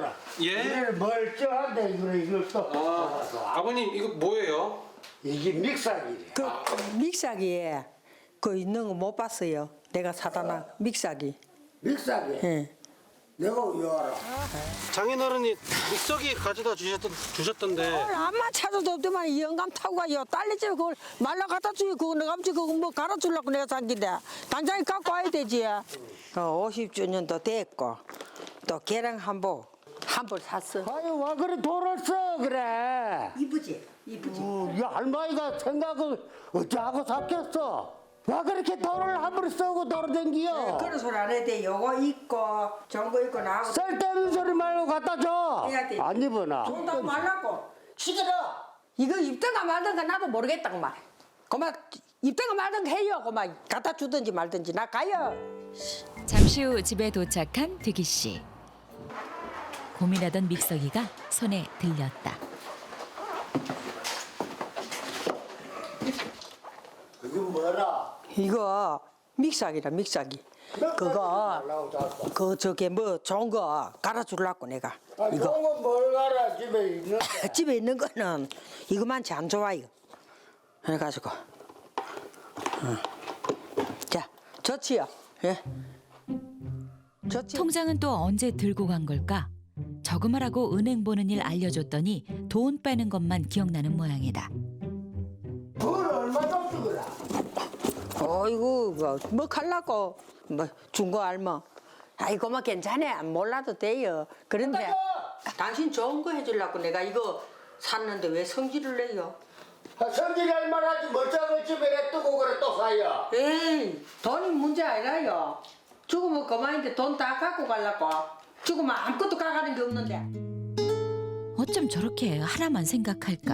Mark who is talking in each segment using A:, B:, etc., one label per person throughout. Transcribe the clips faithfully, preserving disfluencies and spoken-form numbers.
A: 알아보거라.
B: 예?
A: 이래 멀쩡한데 이거 이걸 또
B: 아, 아버님 이거 뭐예요?
A: 이게 믹사기래.
C: 그 믹사기에 그 있는 거 못 봤어요. 내가 사다 놔 믹사기.
A: 믹사기.
C: 예.
A: 내가 왜 알아?
B: 장인어른이 믹서기 가져다 주셨던, 주셨던데
C: 오늘 암만 찾아도 없더만 이 영감 타고 가요. 딸내 집에 그걸 말라 갖다 주고 그거 내가 아버지 그거 뭐 갈아주려고 내가 산 긴데 당장에 갖고 와야 되지. 어, 오십 주년도 됐고 또 계량 한복 한벌 샀어.
A: 아유 와 그래 돈을 써 그래.
C: 이쁘지? 이쁘지?
A: 어, 이 할머니가 생각을 어찌하고 샀겠어? 와 그렇게 돈을 함부로 쓰고 돌아댕기요?
C: 그런 소리 안 해도 돼. 요거 있고 저거 있고 나하고
A: 쓸데없는 소리 말고 갖다 줘.
C: 해야 돼.
A: 안 입어나.
C: 돈다고 말라고.
A: 시끄러.
C: 이거 입든가 말든가 나도 모르겠다고 말. 그만 입든가 말든가 해요. 그만 갖다 주든지 말든지 나 가요.
D: 잠시 후 집에 도착한 득이 씨. 고민하던 믹서기가 손에 들렸다.
A: 그게 뭐라?
C: 이거 믹사기라 믹사기. 그거 그 저게 뭐 좋은 거 갈아주려고 내가.
A: 아,
C: 이거
A: 좋은 건뭘 알아 집에 있는.
C: 집에 있는 거는 이거만치 안 좋아요. 해가지고. 어. 자 좋지요. 예. 좋지.
D: 통장은 또 언제 들고 간 걸까? 저금하라고 은행 보는 일 알려줬더니 돈 빼는 것만 기억나는 모양이다.
A: 뭘 얼마 줬어 그래?
C: 어이구 뭐, 뭐 갈라고 뭐 준 거 알마. 아이고만 괜찮아 몰라도 돼요. 그런데 당신 좋은 거 해주려고 내가 이거 샀는데 왜 성질을 내요?
A: 아, 성질할 만하지 멀쩡한 집에 뜨고 그래 또 사요.
C: 에이 돈이 문제 아니라요. 죽으면 그만인데 돈 다 갖고 가려고. 죽으면 아무것도 가가는 게 없는데.
D: 어쩜 저렇게 하나만 생각할까?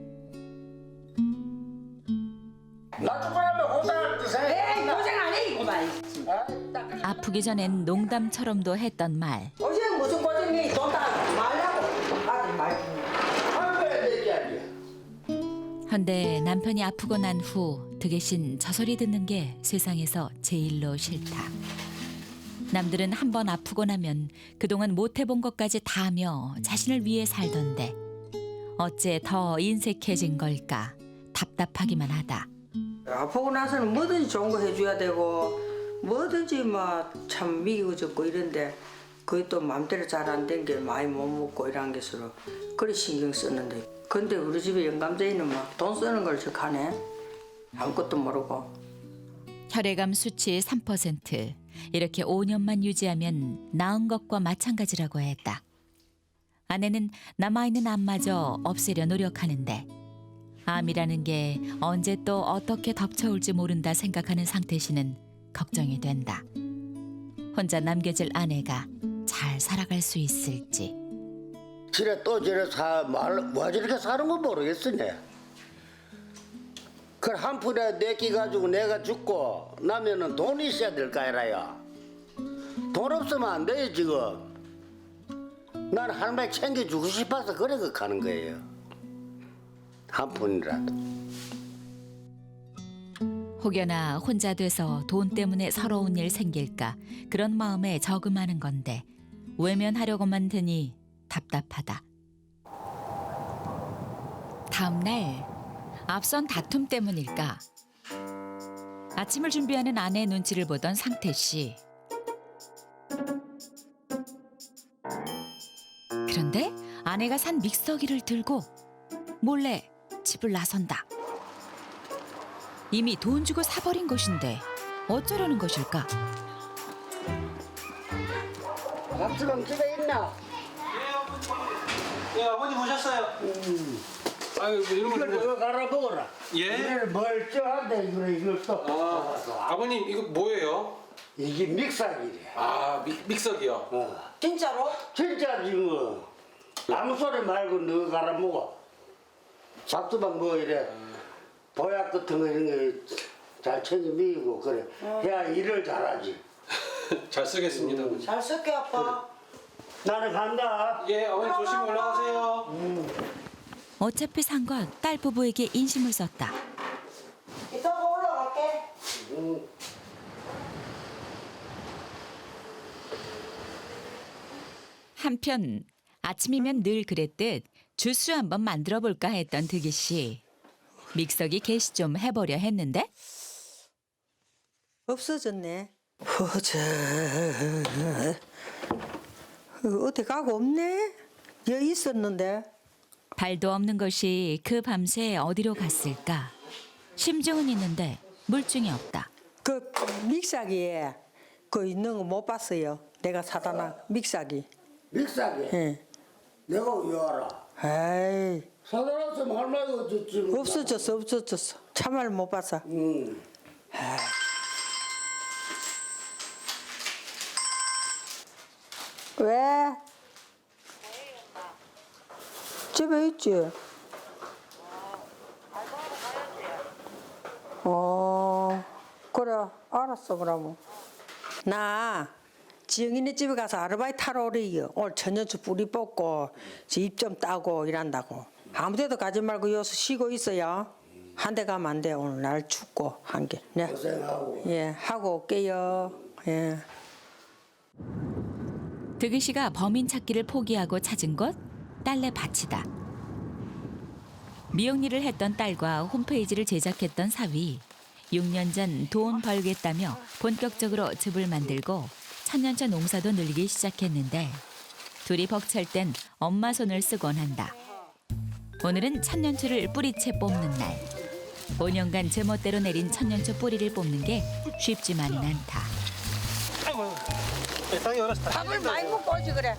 A: 나 죽으라면 호당할 뜻에.
C: 에이 고생 안 해 이거만.
D: 아프기 전엔 농담처럼도 했던 말.
C: 어제 무슨 고생이 돈 다 말라고. 아들 말.
A: 할거야 내게 아니야.
D: 헌데 남편이 아프고 난 후 득의신 저 소리 듣는 게 세상에서 제일로 싫다. 남들은 한 번 아프고 나면 그동안 못 해본 것까지 다 하며 자신을 위해 살던데 어째 더 인색해진 걸까 답답하기만 하다.
C: 아프고 나서는 뭐든지 좋은 거 해줘야 되고 뭐든지 막 참 미워졌고 이런데 그게 또 마음대로 잘 안 된 게 많이 못 먹고 이런 게서로 그래 신경 쓰는데 근데 우리 집에 영감쟁이는 막 돈 쓰는 걸 적하네. 아무것도 모르고.
D: 혈액암 수치 삼 퍼센트. 이렇게 오 년만 유지하면 나은 것과 마찬가지라고 했다. 아내는 남아있는 암마저 없애려 노력하는데 암이라는 게 언제 또 어떻게 덮쳐올지 모른다 생각하는 상태 씨는 걱정이 된다. 혼자 남겨질 아내가 잘 살아갈 수 있을지.
A: 지레 또 저래 사말와 저렇게 사는 거 모르겠으네. 그걸 한 푼에 내끼 가지고 내가 죽고 나면은 돈이 있어야 될 거 아니라요. 돈 없으면 안 돼요 지금. 난 할머니 챙겨주고 싶어서 그래 그 가는 거예요. 한 푼이라도.
D: 혹여나 혼자 돼서 돈 때문에 서러운 일 생길까 그런 마음에 저금하는 건데 외면하려고만 드니 답답하다. 다음 날 앞선 다툼 때문일까 아침을 준비하는 아내 눈치를 보던 상태 씨. 그런데 아내가 산 믹서기를 들고 몰래 집을 나선다. 이미 돈 주고 사버린 것인데 어쩌려는 것일까?
A: 밥수방 집에 있나?
B: 예 아버님 오셨어요.
A: 음.
B: 아유 뭐 이런
A: 이걸
B: 걸 뭐...
A: 이거 갈아먹어라.
B: 예?
A: 이래 멀쩡한데 이거 이걸 또
B: 아, 아버님 이거 뭐예요?
A: 이게 믹사기래.
B: 아 믹, 믹서기요.
A: 어.
C: 진짜로?
A: 진짜 지금 아무 소리 말고 너 갈아먹어. 밥수방 뭐 이래 보약 같은 거 이런 거 잘 챙겨 미고 그래. 해야 일을 잘하지.
B: 잘 쓰겠습니다.
C: 잘 쓸게 아빠.
A: 나는 간다.
B: 예 어머니 조심히 올라가세요.
D: 어차피 산 건 딸 부부에게 인심을 썼다.
C: 이따가 올라갈게.
A: 음.
D: 한편 아침이면 늘 그랬듯 주스 한번 만들어 볼까 했던 득이 씨. 믹서기 개시 좀 해보려 했는데
C: 없어졌네. 허저. 어디 가고 없네? 여기 있었는데.
D: 발도 없는 것이 그 밤새 어디로 갔을까? 심증은 있는데 물증이 없다.
C: 그 믹사기에 그 있는 거 못 봤어요. 내가 사다 놔 믹사기.
A: 믹사기.
C: 예.
A: 내가 왜 알아?
C: 에이
A: 사달았으면 할 말이 없었지. 뭐.
C: 없어졌어 없어졌어. 참말 못 봤어.
A: 응.
C: 왜? 집에 있지. 어 그래 알았어 그러면. 나 지영이네 집에 가서 아르바이트 하러 오래요. 오늘 천연초 뿌리 뽑고 입 좀 따고 일한다고. 아무데도 가지 말고 여기서 쉬고 있어요. 한 대 가면 안 돼. 오늘 날 춥고 한 개. 네.
A: 고생하고.
C: 예 하고 올게요. 예.
D: 득이 씨가 범인 찾기를 포기하고 찾은 곳 딸네 밭이다. 미용일을 했던 딸과 홈페이지를 제작했던 사위. 육 년 전 돈 벌겠다며 본격적으로 즙을 만들고 천년초 농사도 늘기 시작했는데 둘이 벅찰 땐 엄마 손을 쓰곤 한다. 오늘은 천년초를 뿌리채 뽑는 날. 오 년간 제멋대로 내린 천년초 뿌리를 뽑는 게 쉽지만은 않다.
B: 아이고, 땅이 얼었어.
C: 밥을 많이 먹고 오지 그래.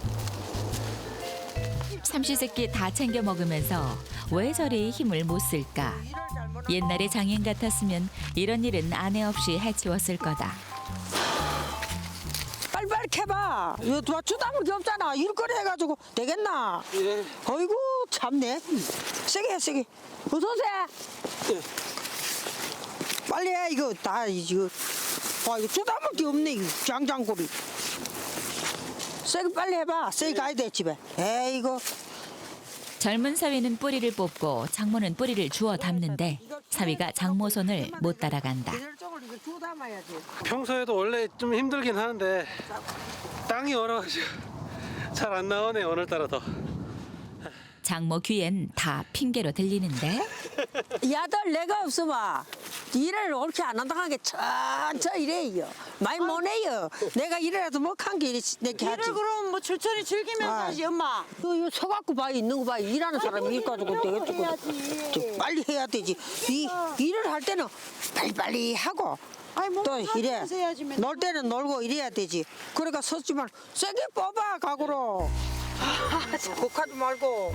D: 삼시세끼 다 챙겨 먹으면서 왜 저리 힘을 못 쓸까? 옛날에 장인 같았으면 이런 일은 아내 없이 해치웠을 거다.
C: 빨리빨리 캐봐. 이거 누가 주다물 게 없잖아. 일거리 해가지고 되겠나?
B: 예.
C: 어이구 참네. 세게 해 세게. 어서 오세요.
B: 예.
C: 빨리 해 이거 다 이거. 와 이거 주다물 게 없네 이거 장장고리. 세게 빨리 해봐. 세게 가야 돼 집에. 에이 이거.
D: 젊은 사위는 뿌리를 뽑고 장모는 뿌리를 주워 담는데 사위가 장모 손을 못 따라간다.
C: 이럴 쪽을 이거 주워 담아야지.
B: 평소에도 원래 좀 힘들긴 하는데 땅이 얼어가지고 잘 안 나오네 오늘따라 더.
D: 장모 귀엔 다 핑계로 들리는데
C: 야들 내가 없어봐. 일을 옳게 안 한다는 게 천천히 이래요. 많이 못 해요. 내가 일이라도 못한 게 내게 하지.
E: 일을 그럼 뭐 천천히 즐기면서
C: 아.
E: 하지 엄마.
C: 이거, 이거 서갖고 봐 있는 거 봐. 일하는 사람이 일 가지고 되겠고
E: 해야지.
C: 빨리 해야 되지. 이 일을 할 때는 빨리빨리 하고
E: 아이 뭐
C: 또 이래
E: 하면서 해야지 맨날.
C: 놀 때는 놀고 이래야 되지. 그러니까 섰지만 세게 뽑아 각오로. 곡하지 말고.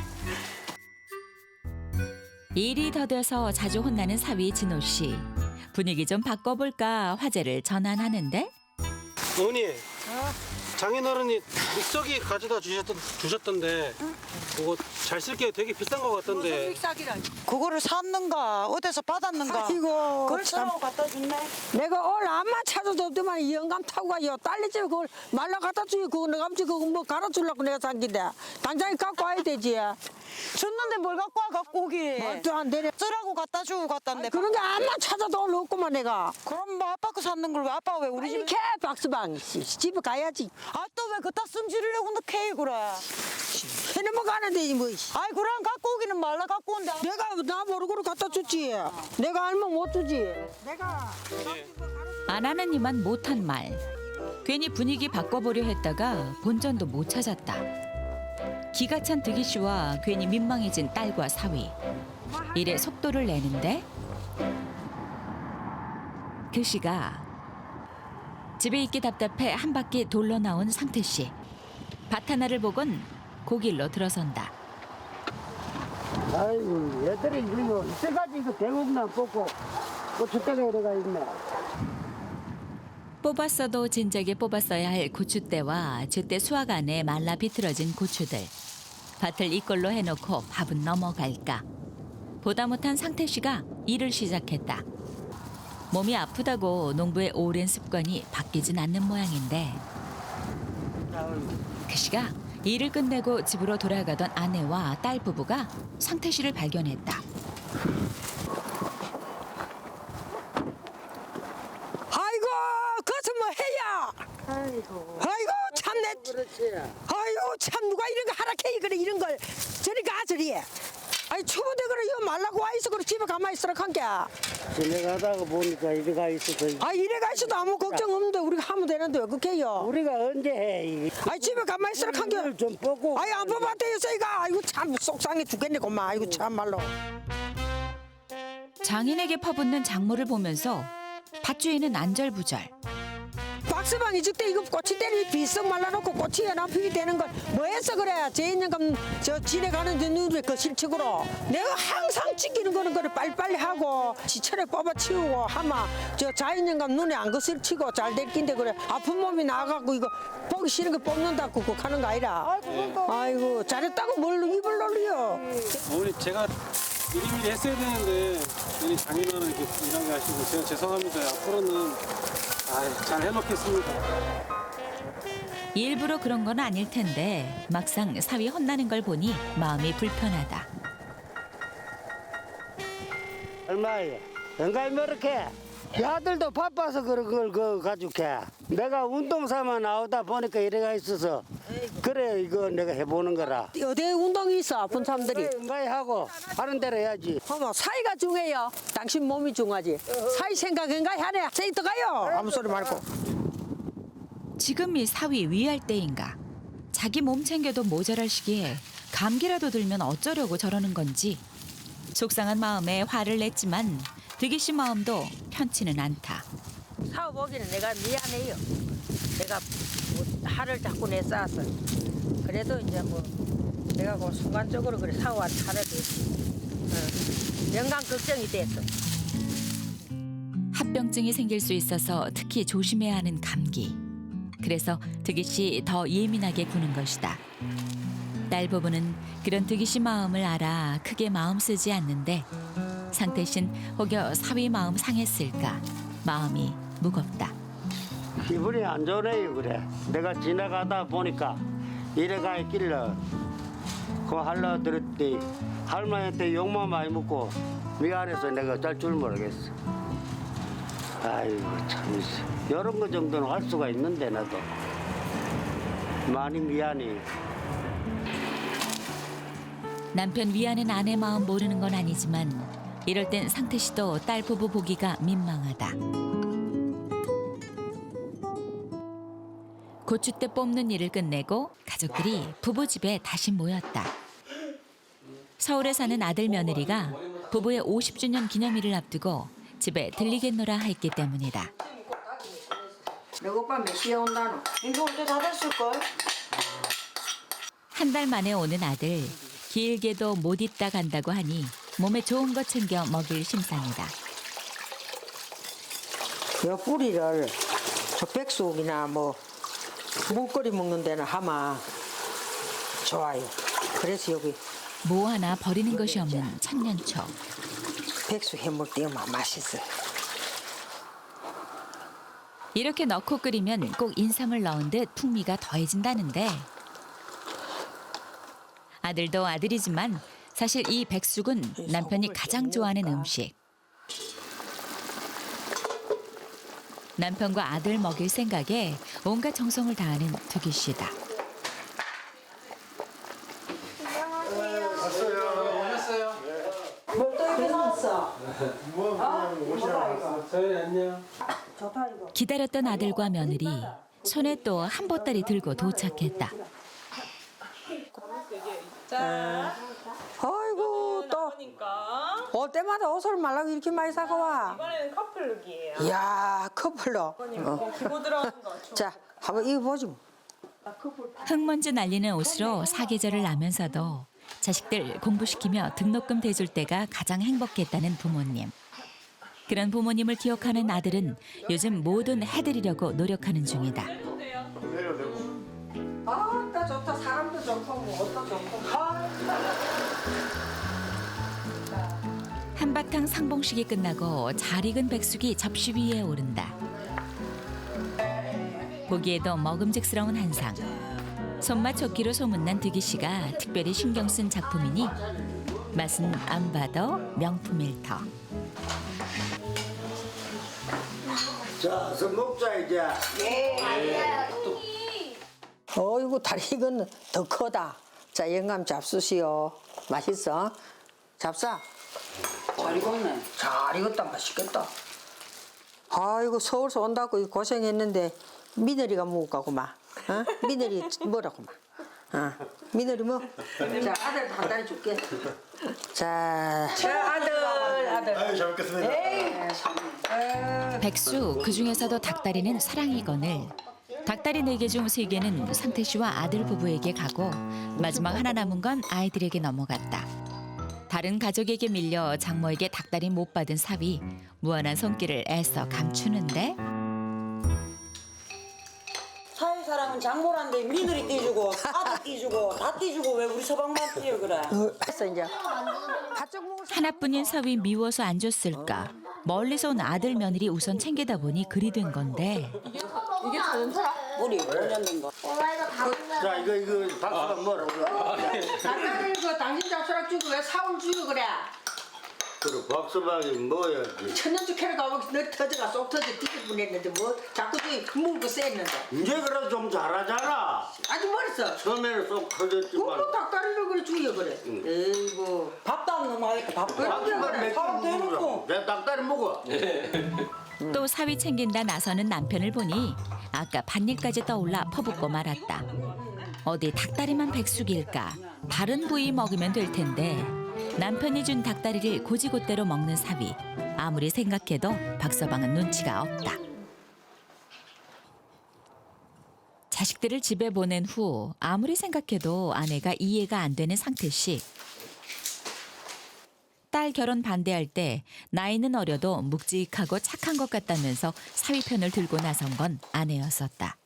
D: 일이 더뎌서 자주 혼나는 사위 진호 씨. 분위기 좀 바꿔볼까 화제를 전환하는데
B: 어머니, 장인어른이 믹서기 가져다 주셨던, 주셨던데 그거 잘 쓸게요. 되게 비싼 거 같던데.
E: 그거를 샀는가 어디서 받았는가.
C: 아이고
E: 그걸
C: 참.
E: 사러 갖다 줬네.
C: 내가 오늘 암만 찾아도 없더만 이 영감 타고 가요. 딸내 집에 그걸 말라 갖다 주기 그거 내가 아버지 그거 뭐 갈아주려고 내가 산 긴데 당장에 갖고 와야 되지.
E: 줬는데 뭘 갖고 와 갖고 오기.
C: 말도 안 되네.
E: 쓰라고 갖다 주고 갔단데.
C: 그런 게 암만 찾아도 오늘 없구만 내가.
E: 그럼 뭐 아빠 거 샀는 걸 왜 아빠가 왜 우리 집에.
C: 이렇게 박스방 씨, 집에 가야지.
E: 아 또 왜 그따 승질이려고 너 케이 그래.
C: 해는 뭐 가는데 뭐.
E: 아이 그럼 갖고 오기는 말라 갖고 온대.
C: 내가 나 모르고 갖다 줬지. 내가 알면 못 주지. 내가
D: 안 하는 이만 못한 말. 괜히 분위기 바꿔보려 했다가 본전도 못 찾았다. 기가 찬 득이 씨와 괜히 민망해진 딸과 사위. 일에 속도를 내는데 그 시가 집에 있기 답답해 한 바퀴 돌러 나온 상태 씨. 밭 하나를 보곤 고길로 들어선다.
A: 아이고 얘들이 이거 이때까지 이거 대국나 뽑고 고추대가 들어가 있네.
D: 뽑았어도 진작에 뽑았어야 할 고추대와 제때 수확 안에 말라 비틀어진 고추들. 밭을 이꼴로 해놓고 밥은 넘어갈까. 보다 못한 상태 씨가 일을 시작했다. 몸이 아프다고 농부의 오랜 습관이 바뀌진 않는 모양인데 그 시가 일을 끝내고 집으로 돌아가던 아내와 딸 부부가 상태 씨를 발견했다.
C: 아이고 그것은 뭐 해야. 아이고 아이고 참내.
A: 그렇지.
C: 아이고
F: 참 누가 이런 거 하라 캐 그래 이런 걸 저리 가 저리. 아이 추운데 그래 이거 말라고 와 있어 그래 집에 가만히 있으라 한게.
A: 지나가다가 보니까 이래가 있어서
F: 아 이래가 있어도 아무 걱정 없는데 우리가 하면 되는데 왜 그렇게 해요?
A: 우리가 언제 해? 이게.
F: 아이 집에 가만히 있으라 한게.
A: 이걸 좀 보고.
F: 아이 안 뽑았대요 저희가. 아이고 참 속상해 죽겠네 고마. 아이고 참말로.
D: 장인에게 퍼붓는 작물을 보면서 밭주인은 안절부절.
F: 박스방이 저때 이거 꼬치 때리 비썩 말라놓고 꼬치에 남피게 되는 걸 뭐 했어 그래 제인연금 저 지내가는 눈에 그 실측으로 내가 항상 찍히는 거는 그래 빨리빨리 하고 지철에 뽑아치우고 하마 저 자연연금 눈에 안 거슬 치고 잘 될 낀데 그래 아픈 몸이 나가고 이거 보기 싫은 거 뽑는다고 그거 하는 거 아니라 아이고 잘했다고 뭘 입을 놀려.
B: 어머니 제가 미리미리 했어야 되는데 괜히 장인어른 이렇게 일하게 하시고 제가 죄송합니다. 앞으로는 아, 잘 해놓겠습니다.
D: 일부러 그런 건 아닐 텐데 막상 사위 혼나는 걸 보니 마음이 불편하다.
A: 얼마야? 연가이 뭐렇게? 아들도 바빠서 그런 걸 그 가지고 해. 내가 운동삼아 나오다 보니까 이래가 있어서 그래 이거 내가 해보는 거라.
F: 어디 운동이 있어 아픈 사람들이.
A: 연가이 하고 하는 대로 해야지.
F: 어머 사이가 중요해요. 당신 몸이 중요하지. 사이 생각인가 하네. 세이터 가요. 아무 소리 말고.
D: 지금이 사위 위할 때인가. 자기 몸 챙겨도 모자랄 시기에 감기라도 들면 어쩌려고 저러는 건지. 속상한 마음에 화를 냈지만 득이 씨 마음도 편치는 않다.
C: 사오 보기는 내가 미안해요. 내가 뭐 화를 자꾸 내 쌓았어. 그래도 이제 뭐 내가 그 순간적으로 그래 사오한테 화를 냈어. 어. 영감 걱정이 됐어.
D: 합병증이 생길 수 있어서 특히 조심해야 하는 감기. 그래서 득이 씨 더 예민하게 구는 것이다. 딸 부부는 그런 득이 씨 마음을 알아 크게 마음 쓰지 않는데 상태 씨는 혹여 사위 마음 상했을까 마음이 무겁다.
A: 기분이 안 좋네요 그래. 내가 지나가다 보니까 이래가 있길래 그 할라 들었더니 할머니한테 욕만 많이 먹고 미안해서 내가 짤 줄 모르겠어. 아이고 참 이런 거 정도는 할 수가 있는데 나도 많이 미안해.
D: 남편 위하는 아내 마음 모르는 건 아니지만 이럴 땐 상태 씨도 딸 부부 보기가 민망하다. 고추대 뽑는 일을 끝내고 가족들이 부부 집에 다시 모였다. 서울에 사는 아들 며느리가 부부의 오십 주년 기념일을 앞두고 집에 들리겠노라 했기 때문이다.
C: 내 오빠 몇 시에 온다노?
E: 이거 언제 다 됐을걸?
D: 한 달 만에 오는 아들, 길게도 못 있다 간다고 하니 몸에 좋은 거 챙겨 먹일 심산이다.
F: 그 뿌리를 저 백숙이나 뭐 묵거리 먹는 데는 하마 좋아요. 그래서 여기
D: 뭐 하나 버리는 것이 없는 천년초.
F: 백숙 해물 띄우면 맛있어요.
D: 이렇게 넣고 끓이면 꼭 인삼을 넣은 듯 풍미가 더해진다는데 아들도 아들이지만 사실 이 백숙은 남편이 가장 좋아하는 음식. 남편과 아들 먹일 생각에 온갖 정성을 다하는 득이 씨다.
B: 서연이 안녕.
D: 기다렸던 아들과 며느리 손에 또 한 보따리 들고 도착했다.
F: 아이고 또 올 때마다 옷을 말라고 이렇게 많이 사고 와.
E: 이번에는 커플룩이에요.
F: 이야 커플로.
E: 어. 기고 들어가는 거.
F: 자 한번 입어보지 뭐.
D: 흙먼지 날리는 옷으로 사계절을 나면서도 자식들 공부시키며 등록금 대줄 때가 가장 행복했다는 부모님. 그런 부모님을 기억하는 아들은 요즘 뭐든 해드리려고 노력하는 중이다.
C: 아따 좋다. 사람도 좋고 뭐 옷도 좋고.
D: 한바탕 상봉식이 끝나고 잘 익은 백숙이 접시 위에 오른다. 보기에도 먹음직스러운 한상. 손맛 좋기로 소문난 득이 씨가 특별히 신경 쓴 작품이니 맛은 안 봐도 명품일 터.
A: 자, 서 먹자 이제.
F: 어이구 다리 이건 더 크다. 자 영감 잡수시오. 맛있어? 잡사.
C: 잘 익었네. 잘 익었다. 맛있겠다.
F: 아이고 서울서 온다고 고생했는데 미늘이가 먹을까구만. 어? 미늘이 뭐라구만. 어. 미늘이 뭐?
C: 자, 아들 한 다리 줄게.
F: 자,
C: 자, 아들, 아들.
G: 아유 잘 먹겠습니다.
D: 백수 그 중에서도 닭다리는 사랑이건을 닭다리 네 개 중 세 개는 상태 씨와 아들 부부에게 가고 마지막 하나 남은 건 아이들에게 넘어갔다. 다른 가족에게 밀려 장모에게 닭다리 못 받은 사위 무한한 손길을 애써 감추는데
E: 사회사람은 장모란데 며느리 떼주고 아들 떼주고 다 떼주고 왜 우리 서방만 떼요 그래?
F: 했어 이제. 바짝 먹을
D: 하나뿐인 사위 미워서 안 줬을까. 멀리서 온 아들 며느리 우선 챙기다 보니 그리 된 건데
E: 우리 오 년 된 거.
A: 자 이거 이거 박수가 뭐라고
F: 닭다리 그 당신 잡수락 주고 왜 사올 주고 그래?
A: 그래 박수박이 뭐야 이게.
F: 천년주 캐러 가면 너 터져가 쏙 터져 뒤집어냈는데 뭐 자꾸 저기 물고 쎘는데.
A: 이제 그래 좀 잘하잖아.
F: 아주 멀었어.
A: 처음에는 쏙 터졌지만
F: 그거 닭다리를 그래 주여 그래. 에이구.
E: 밥도 안 넘어가니까 밥
A: 박수박 맥주
E: 사람도 해놓고.
A: 먹으라. 내 닭다리 먹어.
D: 또 사위 챙긴다 나서는 남편을 보니 아까 밭일까지 떠올라 퍼붓고 말았다. 어디 닭다리만 백숙일까? 다른 부위 먹으면 될 텐데 남편이 준 닭다리를 고지곳대로 먹는 사위. 아무리 생각해도 박서방은 눈치가 없다. 자식들을 집에 보낸 후 아무리 생각해도 아내가 이해가 안 되는 상태 씨. 딸 결혼 반대할 때 나이는 어려도 묵직하고 착한 것 같다면서 사위 편을 들고 나선 건 아내였었다.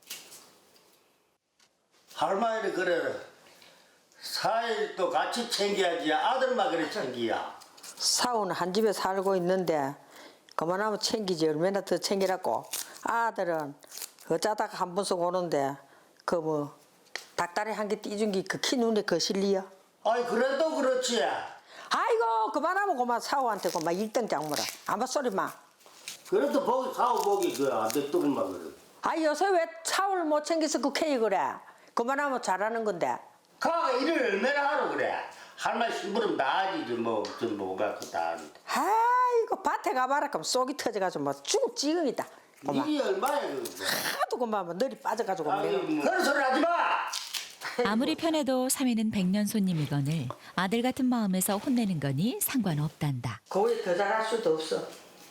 A: 할머니를 그래 사일도 같이 챙겨야지 아들만 그래 챙기야.
F: 사오는 한 집에 살고 있는데 그만하면 챙기지 얼마나 더 챙기라고. 아들은 어쩌다가 한 번씩 오는데 그 뭐 닭다리 한 개 띄준 게 그 키 눈에 거실리야.
A: 아이 그래도 그렇지.
F: 아이고 그만하면 그만 사오한테 그만 일등 장모라. 아무 소리 마.
A: 그래도 보기 사오 보기 그안 됐더구만 그래.
F: 아 요새 왜 사오를 못 챙겨서 그 캐이 그래. 그만하면 잘하는 건데.
A: 가가 일을 얼마나 하러 그래. 할머니 심부름 다 하지 뭐좀 뭐가 그다 하는데.
F: 아이고 밭에 가봐라 그럼 속이 터져가지고 뭐 죽을 지경이다. 그만.
A: 일이 얼마야 그거.
F: 하도 그만 뭐 널이 빠져가지고
A: 아이
F: 내가.
A: 뭐. 그런 소리 하지 마.
D: 아무리 편해도 사위는 백년 손님이거늘 아들 같은 마음에서 혼내는 거니 상관없단다.
C: 거기 더 잘할 수도 없어.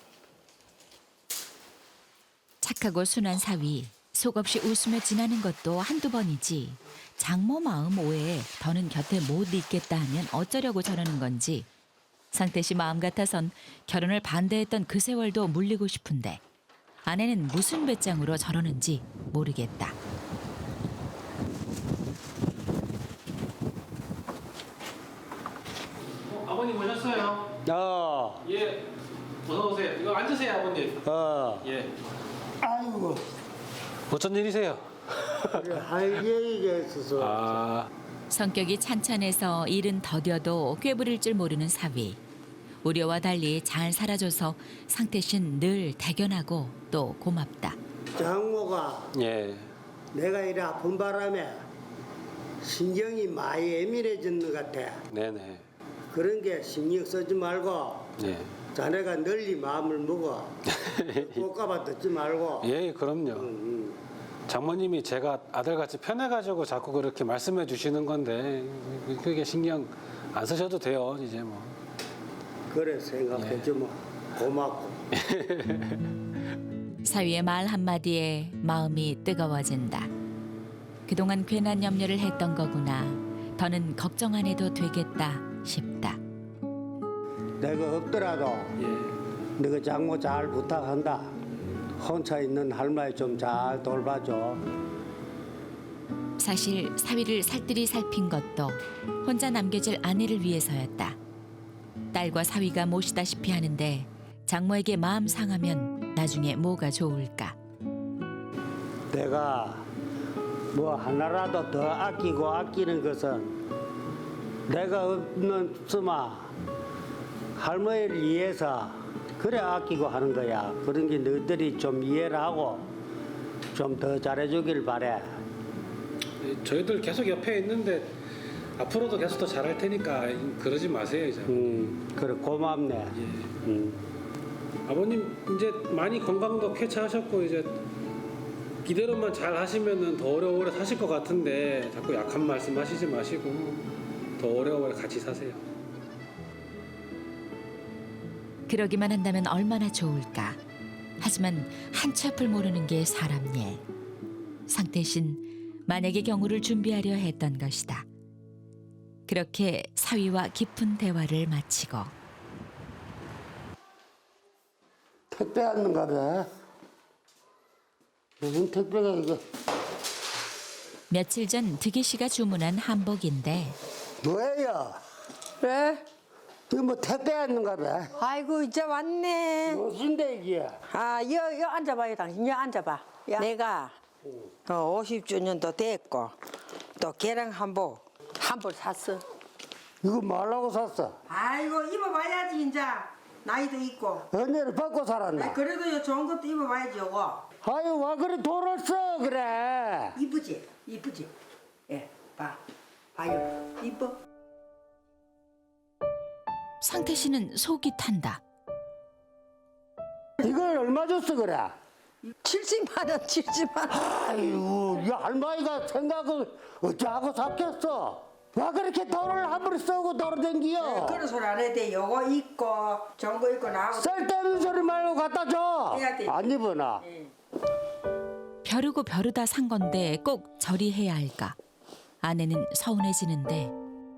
D: 착하고 순한 사위, 속없이 웃으며 지나는 것도 한두 번이지. 장모 마음 오해에 더는 곁에 못 있겠다 하면 어쩌려고 저러는 건지. 상태 씨 마음 같아선 결혼을 반대했던 그 세월도 물리고 싶은데 아내는 무슨 배짱으로 저러는지 모르겠다.
B: 어, 아버님 오셨어요?
A: 어.
B: 예. 어서 오세요. 이거 앉으세요, 아버님.
A: 어.
B: 예.
A: 아이고.
B: 어쩐 일이세요?
A: 할 얘기가 있어서.
B: 아,
D: 성격이 찬찬해서 일은 더뎌도 꾀부릴 줄 모르는 사위. 우려와 달리 잘 살아줘서 상태 씨는 늘 대견하고 또 고맙다.
A: 장모가
B: 예.
A: 내가 이래 아픈 바람에 신경이 많이 예민해졌는 것 같아.
B: 네네.
A: 그런 게 신경 쓰지 말고
B: 예.
A: 자네가 널리 마음을 먹어. 꽃가봐 듣지 말고.
B: 예, 그럼요.
A: 응,
B: 장모님이 제가 아들같이 편해가지고 자꾸 그렇게 말씀해 주시는 건데 그게 신경 안 쓰셔도 돼요, 이제 뭐.
A: 응. 그래 생각해주면 고맙고.
D: 사위의 말 한마디에 마음이 뜨거워진다. 그동안 괜한 염려를 했던 거구나. 더는 걱정 안 해도 되겠다 싶다.
A: 내가 없더라도
B: 예.
A: 너가 장모 잘 부탁한다. 혼자 있는 할머니 좀 잘 돌봐줘.
D: 사실 사위를 살뜰히 살핀 것도 혼자 남겨질 아내를 위해서였다. 딸과 사위가 모시다시피 하는데 장모에게 마음 상하면 나중에 뭐가 좋을까.
A: 내가 뭐 하나라도 더 아끼고 아끼는 것은 내가 없는 수마 할머니를 위해서 그래 아끼고 하는 거야. 그런 게 너희들이 좀 이해를 하고 좀 더 잘해주길 바래.
B: 저희들 계속 옆에 있는데 앞으로도 계속 더 잘할 테니까 그러지 마세요 이제.
A: 음, 그래 고맙네.
B: 예.
A: 음.
B: 아버님 이제 많이 건강도 쾌차하셨고 이제 이대로만 잘 하시면은 더 오래오래 사실 것 같은데 자꾸 약한 말씀 하시지 마시고 더 오래오래 같이 사세요.
D: 그러기만 한다면 얼마나 좋을까. 하지만 한치 앞을 모르는 게 사람 일. 상태신 만약의 경우를 준비하려 했던 것이다. 그렇게 사위와 깊은 대화를 마치고
A: 택배 왔는가 봐. 무슨 택배가 이게?
D: 며칠 전 득이 씨가 주문한 한복인데
A: 뭐예요?
F: 왜?
A: 이거 뭐 택배 왔는가 봐.
F: 아이고 이제 왔네.
A: 무슨데 이게?
F: 아, 여, 여 앉아봐요, 당신. 여 앉아봐. 내가 어, 오십 주년도 됐고 또 개랑 한복 한벌 샀어.
A: 이거 뭐하려고 샀어?
C: 아이고 입어봐야지 이제 나이도 있고.
A: 언니를 받고 살았나?
C: 그래도 요 좋은 것도 입어봐야지 요거.
A: 아유 와 그래 돈을 써 그래.
C: 이쁘지? 이쁘지? 예, 봐. 봐요. 이뻐.
D: 상태 씨는 속이 탄다.
A: 이걸 얼마 줬어 그래?
F: 칠십만 원, 칠십만 원.
A: 아이고 이 할머니가 생각을 어찌하고 샀겠어? 와 그렇게 돈을 함부로 쓰고 돌아댕기요?
C: 그런 소리 안 해도 돼. 요거 입고 좋은 거 입고 나하고.
A: 쓸데없는 소리 말고 갖다 줘.
C: 해야 돼.
A: 안 입어나?
D: 벼르고 벼르다 산 건데 꼭 저리 해야 할까. 아내는 서운해지는데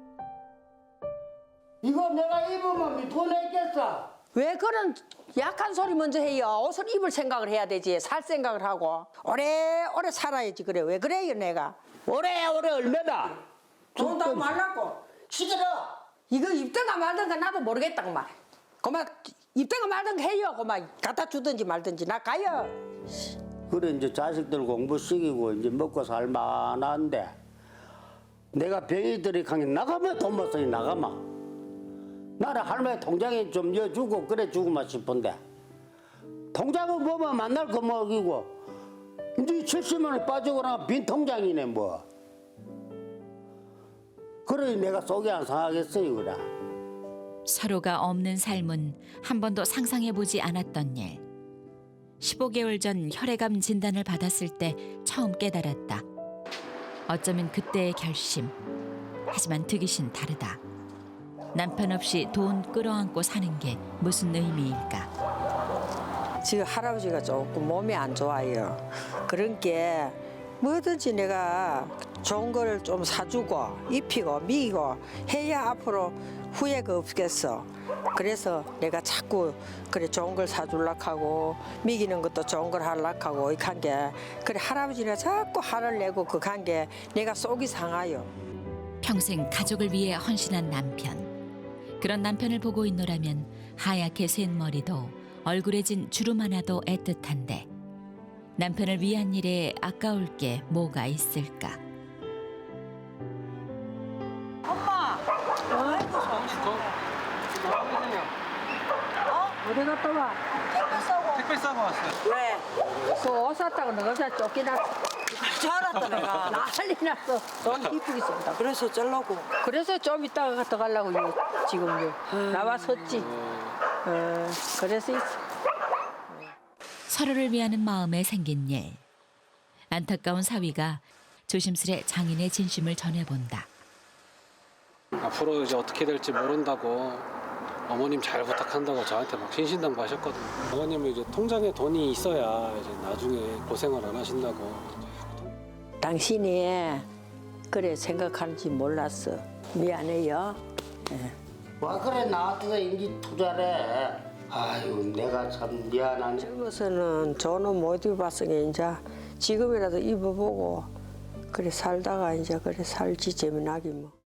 A: 이거 내가 입으면 돈 내겠어?
F: 왜 그런 약한 소리 먼저 해요? 옷을 입을 생각을 해야 되지. 살 생각을 하고 오래오래 살아야지. 그래. 왜 그래요 내가?
A: 오래오래 얼마나?
C: 돈 다 말라고.
A: 시끄러.
F: 이거 입든가 말든가 나도 모르겠다 그만. 그만 입든가 말든가 해요. 그만 갖다 주든지 말든지 나 가요.
A: 그래 이제 자식들 공부시키고 이제 먹고 살만한데 내가 병이들이 강에 나가면 돈 못 쓰니 나가마. 나는 할머니 통장에 좀 여주고 그래 주고만 싶은데 통장은 보면 만날 거 먹이고 이제 칠십만 원 빠지고 나면 빈 통장이네 뭐. 그러니 내가 속이 안 상하겠어요 그래.
D: 서로가 없는 삶은 한 번도 상상해보지 않았던 일. 십오 개월 전 혈액암 진단을 받았을 때 처음 깨달았다. 어쩌면 그때의 결심. 하지만 득이 씨는 다르다. 남편 없이 돈 끌어안고 사는 게 무슨 의미일까?
F: 지금 할아버지가 조금 몸이 안 좋아요. 그런 게 뭐든지 내가 좋은 거를 좀 사주고 입히고 미고 해야 앞으로 후회가 없겠어. 그래서 내가 자꾸 그래 좋은 걸 사주려고 하고 미기는 것도 좋은 걸 하려고 하고 이렇게 한 게 그래 할아버지가 자꾸 화를 내고 그 한 게 내가 속이 상하요.
D: 평생 가족을 위해 헌신한 남편. 그런 남편을 보고 있노라면 하얗게 센 머리도 얼굴에 진 주름 하나도 애틋한데 남편을 위한 일에 아까울 게 뭐가 있을까?
F: 어디 갔다 와?
B: 택배 싸고 왔어요.
F: 왜? 그 옷 샀다고 너가 다 쫓기났어.
E: 잘 알았다 내가.
F: 난리 났어. 너무 이쁘게 쓴다.
E: 그래서 쩔라고.
F: 그래서 좀 이따가 갔다 가려고 요, 지금 요. 나와 섰지. 어, 그래서 있어.
D: 서로를 위하는 마음에 생긴 일. 안타까운 사위가 조심스레 장인의 진심을 전해본다.
B: 앞으로 이제 어떻게 될지 모른다고 어머님 잘 부탁한다고 저한테 막 신신당부하셨거든요. 어머님은 이제 통장에 돈이 있어야 이제 나중에 고생을 안 하신다고.
F: 당신이 그래 생각하는지 몰랐어. 미안해요.
A: 와 그래 나한테도 인기 투자래. 아유 내가 참 미안하네.
F: 젊어서는 좋은 옷 못 입어봤으니 이제 지금이라도 입어보고 그래 살다가 이제 그래 살지 재미나기 뭐.